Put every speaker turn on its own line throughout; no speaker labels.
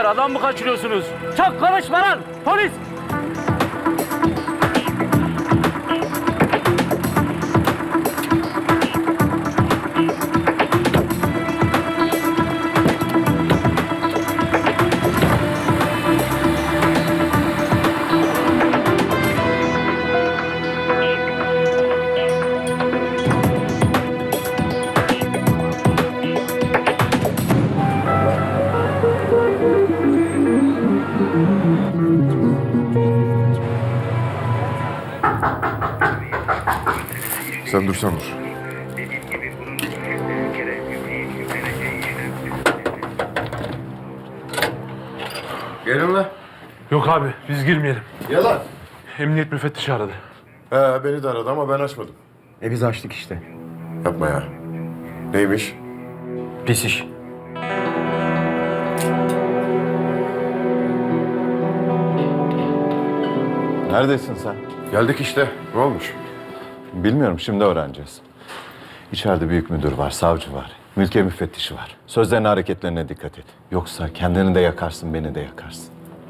beyler, adam mı kaçırıyorsunuz? Çok konuşma lan! Polis!
Sen dursan dur. Gelin lan.
Yok abi, biz girmeyelim.
Yalan.
Emniyet müfettişi aradı.
Beni de aradı ama ben açmadım.
Biz açtık işte.
Yapma ya. Neymiş?
Pis iş.
Neredesin sen?
Geldik işte. Ne olmuş?
Bilmiyorum, şimdi öğreneceğiz. İçeride büyük müdür var, savcı var, mülkiye müfettişi var. Sözlerine, hareketlerine dikkat et. Yoksa kendini de yakarsın, beni de yakarsın.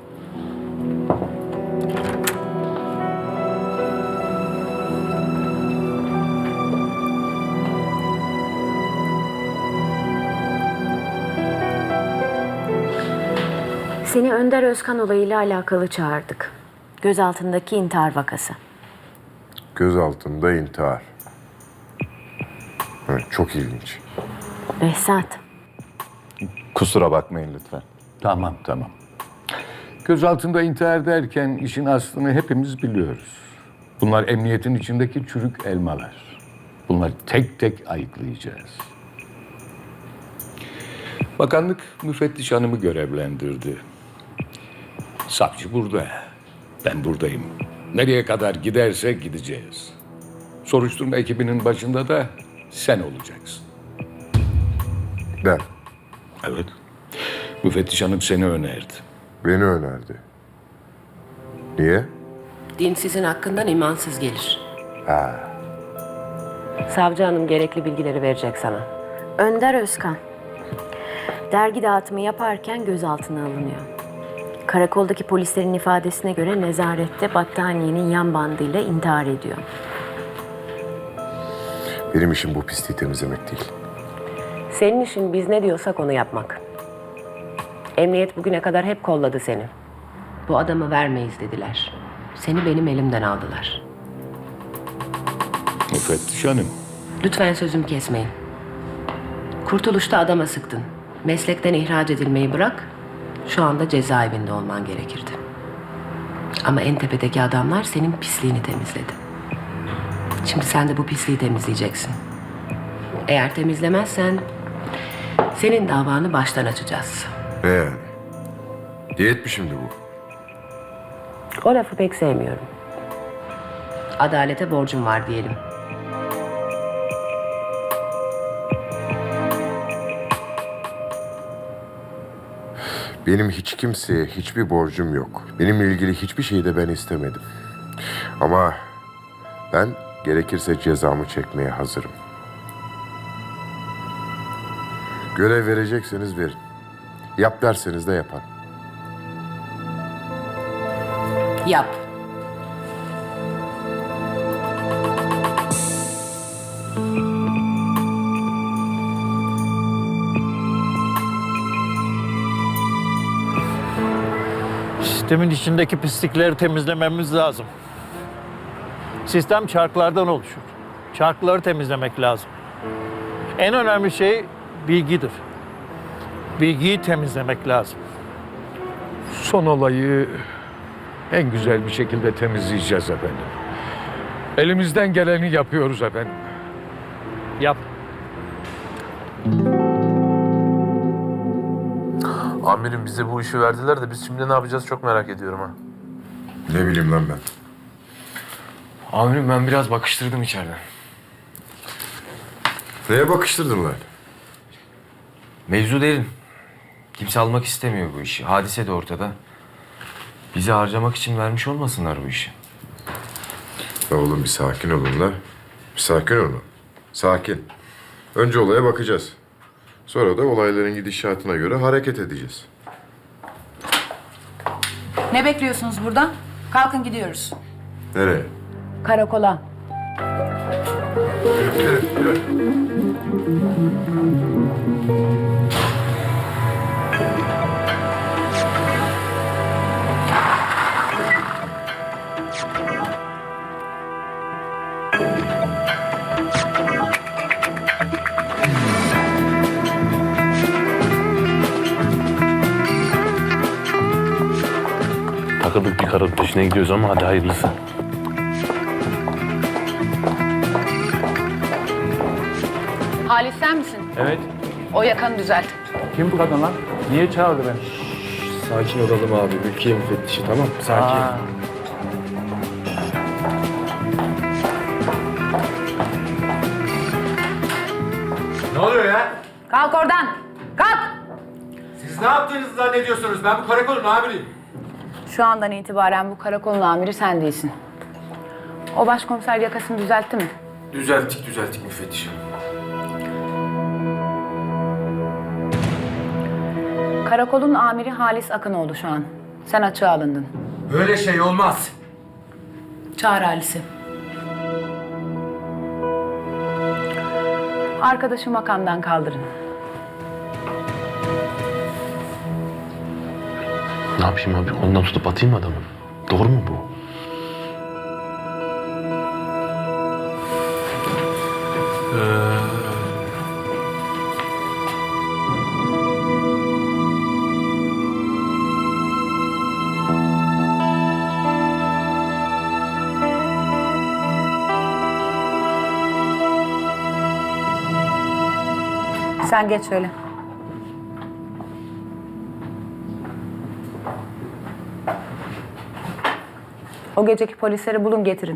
Seni Önder Özkan olayıyla alakalı çağırdık. Gözaltındaki intihar vakası.
Göz altında intihar. Evet, çok ilginç.
Behzat,
Kusura bakmayın lütfen.
Tamam. Gözaltında intihar derken işin aslını hepimiz biliyoruz. Bunlar emniyetin içindeki çürük elmalar. Bunları tek tek ayıklayacağız. Bakanlık müfettiş hanımı görevlendirdi. Savcı burada. Ben buradayım. Nereye kadar giderse gideceğiz. Soruşturma ekibinin başında da sen olacaksın.
Ben.
Evet. Müfettiş hanım seni önerdi.
Beni önerdi. Niye?
Din sizin hakkından imansız gelir. Savcı hanım gerekli bilgileri verecek sana.
Önder Özkan. Dergi dağıtımı yaparken gözaltına alınıyor. Karakoldaki polislerin ifadesine göre nezarette battaniyenin yan bandıyla intihar ediyor.
Benim işim bu pisliği temizlemek değil.
Senin işin biz ne diyorsak onu yapmak. Emniyet bugüne kadar hep kolladı seni. Bu adamı vermeyiz dediler. Seni benim elimden aldılar.
Müfettiş hanım.
Lütfen sözümü kesmeyin. Kurtuluşta adama sıktın. Meslekten ihraç edilmeyi bırak, şu anda cezaevinde olman gerekirdi. Ama en tepedeki adamlar senin pisliğini temizledi. Şimdi sen de bu pisliği temizleyeceksin. Eğer temizlemezsen senin davanı baştan açacağız.
Ne yani? Diyet mi şimdi bu?
O lafı pek sevmiyorum. Adalete borcum var diyelim.
Benim hiç kimseye hiçbir borcum yok. Benimle ilgili hiçbir şeyi de ben istemedim. Ama ben gerekirse cezamı çekmeye hazırım. Görev verecekseniz verin. Yap derseniz de yaparım.
Yap.
Sistemin içindeki pislikleri temizlememiz lazım. Sistem çarklardan oluşur. Çarkları temizlemek lazım. En önemli şey bilgidir. Bilgiyi temizlemek lazım.
Son olayı en güzel bir şekilde temizleyeceğiz efendim. Elimizden geleni yapıyoruz efendim.
Yap.
Amirim bize bu işi verdiler de biz şimdi ne yapacağız çok merak ediyorum ha.
Ne bileyim lan ben.
Amirim ben biraz bakıştırdım içeriden.
Neye bakıştırdın lan?
Mevzu derin. Kimse almak istemiyor bu işi. Hadise de ortada. Bizi harcamak için vermiş olmasınlar bu işi.
Ya oğlum bir sakin olun la. Bir sakin olun. Sakin. Önce olaya bakacağız. Sonra da olayların gidişatına göre hareket edeceğiz.
Ne bekliyorsunuz burada? Kalkın gidiyoruz.
Nereye?
Karakola.
Takıldık bir karın peşine gidiyoruz ama hadi hayırlısı.
Halis sen misin?
Evet.
O yakanı düzelt.
Kim bu kadın lan? Niye çağırdı beni?
Sakin olalım abi. Mülkiye müfettişi tamam. Sakin.
Ne oluyor ya?
Kalk oradan. Kalk.
Siz ne yaptığınızı zannediyorsunuz? Ben bu karakolun amiriyim.
Şu andan itibaren bu karakolun amiri sen değilsin. O başkomiser yakasını düzeltti mi?
Düzelttik müfettişim.
Karakolun amiri Halis Akınoğlu şu an. Sen açığa alındın.
Böyle şey olmaz.
Çağır Halis'i. Arkadaşı makamdan kaldırın.
Ne yapayım abi? Ondan tutup atayım mı adamı? Doğru mu bu?
Sen geç şöyle. O geceki polisleri bulun getirin.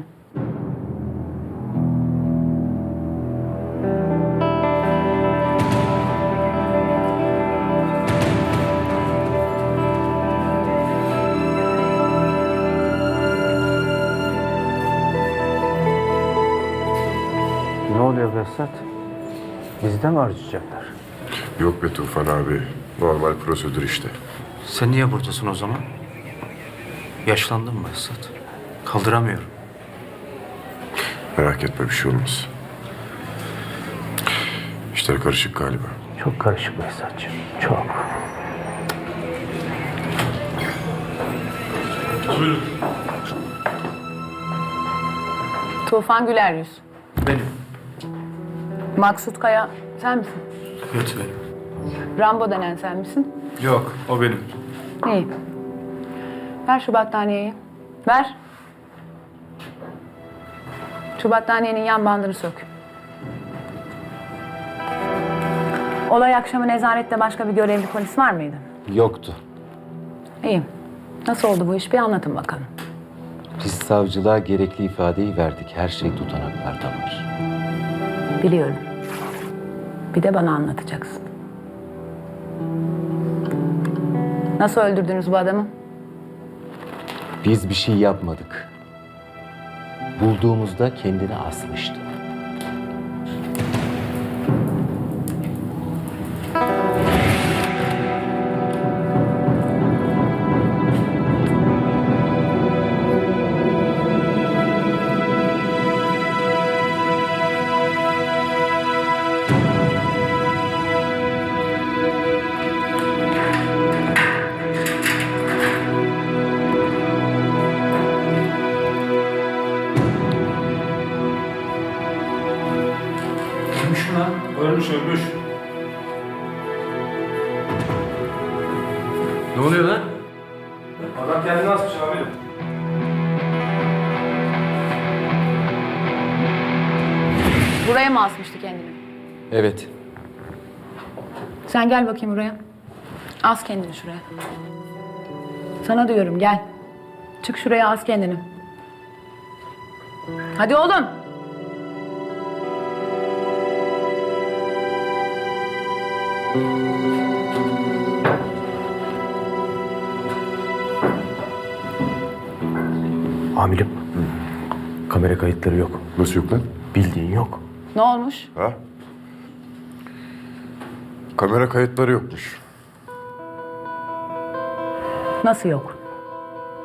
Ne oluyor Behzat? Bizden mi harcayacaklar?
Yok be Tufan abi. Normal prosedür işte.
Sen niye buradasın o zaman? Yaşlandın mı Esat? Kaldıramıyorum.
Merak etme bir şey olmaz. İşler karışık galiba.
Çok karışık Behzatçığım. Çok.
Tufan Güler Yüz.
Benim.
Maksut Kaya sen misin?
Evet benim.
Rambo denen sen misin?
Yok, o benim.
İyi. Ver şu battaniyeyi. Ver. Şu battaniyenin yan bandını sök. Olay akşamı nezarette başka bir görevli polis var mıydı?
Yoktu.
İyi. Nasıl oldu bu iş? Bir anlatın bakalım.
Biz savcılığa gerekli ifadeyi verdik. Her şey tutanaklarda var.
Biliyorum. Bir de bana anlatacaksın. Nasıl öldürdünüz bu adamı?
Biz bir şey yapmadık. Bulduğumuzda kendini asmıştı.
Ölmüş mü lan? Ölmüş.
Ne oluyor lan?
Adam kendini asmış amirim.
Buraya mı asmıştı kendini?
Evet.
Sen gel bakayım buraya. As kendini şuraya. Sana diyorum gel. Çık şuraya as kendini. Hadi oğlum.
Amirim. Kamera kayıtları yok.
Nasıl yok lan?
Bildiğin yok.
Ne olmuş?
Ha? Kamera kayıtları yokmuş.
Nasıl yok?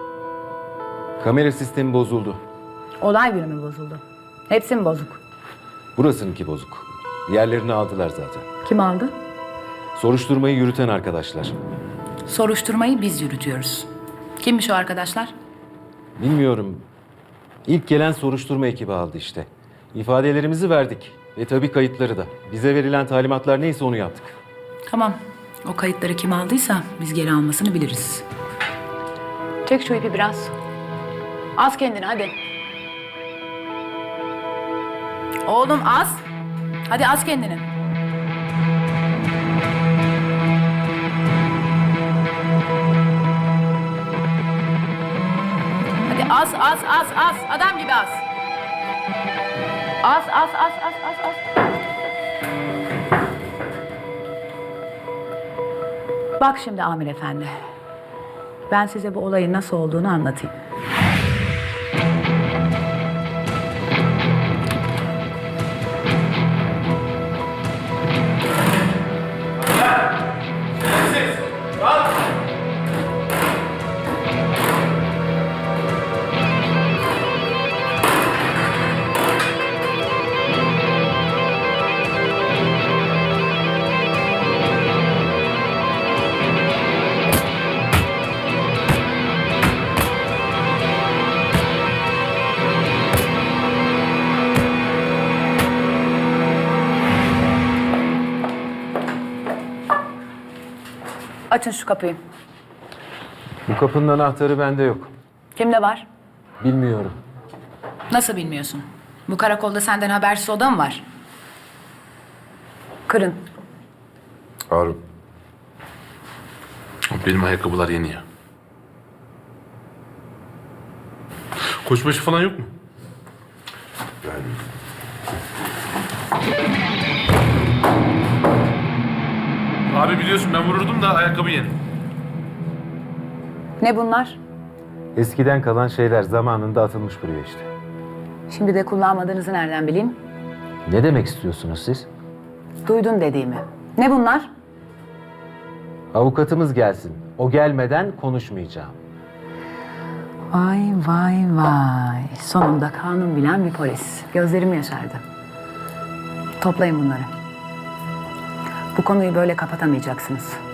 Kamera sistemi bozuldu.
Olay günü mü bozuldu? Hepsi mi bozuk?
Burasınınki bozuk. Diğerlerini aldılar zaten.
Kim aldı?
Soruşturmayı yürüten arkadaşlar.
Soruşturmayı biz yürütüyoruz. Kimmiş o arkadaşlar?
Bilmiyorum. İlk gelen soruşturma ekibi aldı işte. İfadelerimizi verdik. Ve tabii kayıtları da. Bize verilen talimatlar neyse onu yaptık.
Tamam. O kayıtları kim aldıysa biz geri almasını biliriz. Çek şu ipi biraz. Az kendini hadi. Oğlum az. Hadi az kendini. Hadi az. Adam gibi az. Az. Bak şimdi Amir Efendi. Ben size bu olayın nasıl olduğunu anlatayım. Açın şu kapıyı.
Bu kapının anahtarı bende yok.
Kimde var?
Bilmiyorum.
Nasıl bilmiyorsun? Bu karakolda senden habersiz oda mı var? Kırın.
Harun.
Benim ayakkabılar yeni ya. Koçbaşı falan yok mu? Abi biliyorsun ben vururdum da ayakkabı yeni.
Ne bunlar?
Eskiden kalan şeyler zamanında atılmış buraya işte.
Şimdi de kullanmadığınızı nereden bileyim?
Ne demek istiyorsunuz siz?
Duydun dediğimi. Ne bunlar?
Avukatımız gelsin. O gelmeden konuşmayacağım.
Vay. Sonunda kanun bilen bir polis. Gözlerim yaşardı. Toplayın bunları. Bu konuyu böyle kapatamayacaksınız.